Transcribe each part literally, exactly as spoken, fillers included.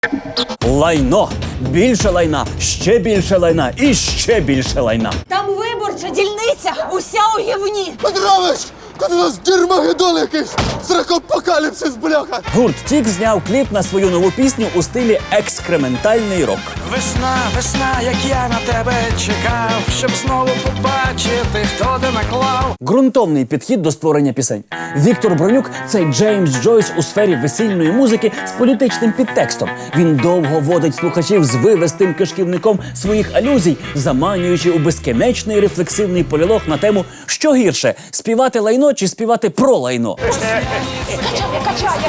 Лайно. Більше лайна, ще більше лайна і ще більше лайна. Там виборча дільниця, уся у гівні. Петрович! Тут у нас дермагеддон якийсь! Сракопокаліпсис, бляха! Гурт Тік зняв кліп на свою нову пісню у стилі екскрементальний рок. Весна, весна, як я на тебе чекав, щоб знову побачити, хто де наклав. Ґрунтовний підхід до створення пісень. Віктор Бронюк – це Джеймс Джойс у сфері весільної музики з політичним підтекстом. Він довго водить слухачів з вивестим кишківником своїх алюзій, заманюючи у безкінечний рефлексивний полілог на тему «Що гірше – співати лайно чи співати про лайно?». Качає, качає.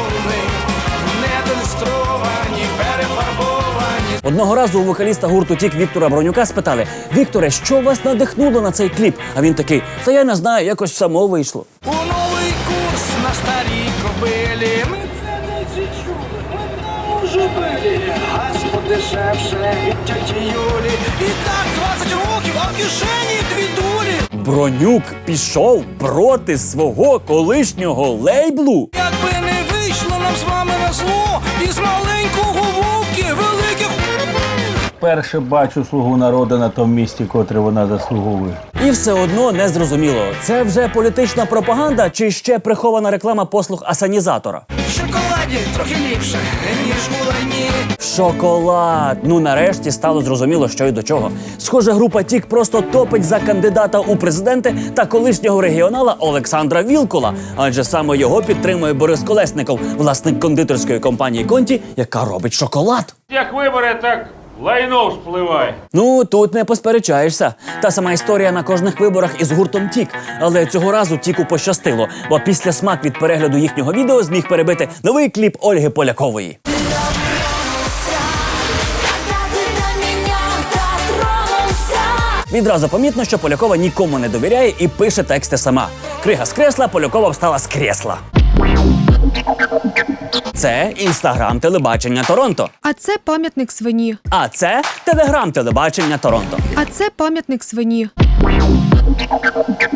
Недонестровані, перефарбовані. Одного разу у вокаліста гурту Тік Віктора Бронюка спитали: «Вікторе, що вас надихнуло на цей кліп?» А він такий: «Та я не знаю, якось само вийшло». У новий курс на старій кобилі. Ми це не чули, ми вже били. Газ подешевше від тьоті Юлі. І так двадцять років, а в кишені дві дулі. Бронюк пішов проти свого колишнього лейблу? Якби не вийшло нам з вами на зло, із маленького вовки великих... Перше бачу «Слугу народу» на тому місці, котре вона заслуговує. І все одно не зрозуміло, це вже політична пропаганда чи ще прихована реклама послуг асанізатора? В шоколаді трохи ліпше, ніж у лайні. Шоколад! Ну нарешті стало зрозуміло, що й до чого. Схоже, група Тік просто топить за кандидата у президенти та колишнього регіонала Олександра Вілкула, адже саме його підтримує Борис Колесников, власник кондитерської компанії «Конті», яка робить шоколад. Як вибори, так лайно вспливає. Ну, тут не посперечаєшся. Та сама історія на кожних виборах із гуртом Тік. Але цього разу Тіку пощастило, бо після смак від перегляду їхнього відео зміг перебити новий кліп Ольги Полякової. Відразу помітно, що Полякова нікому не довіряє і пише тексти сама. Крига з кресла, Полякова встала з кресла. Це інстаграм телебачення Торонто. А це пам'ятник свині. А це телеграм телебачення Торонто. А це пам'ятник свині.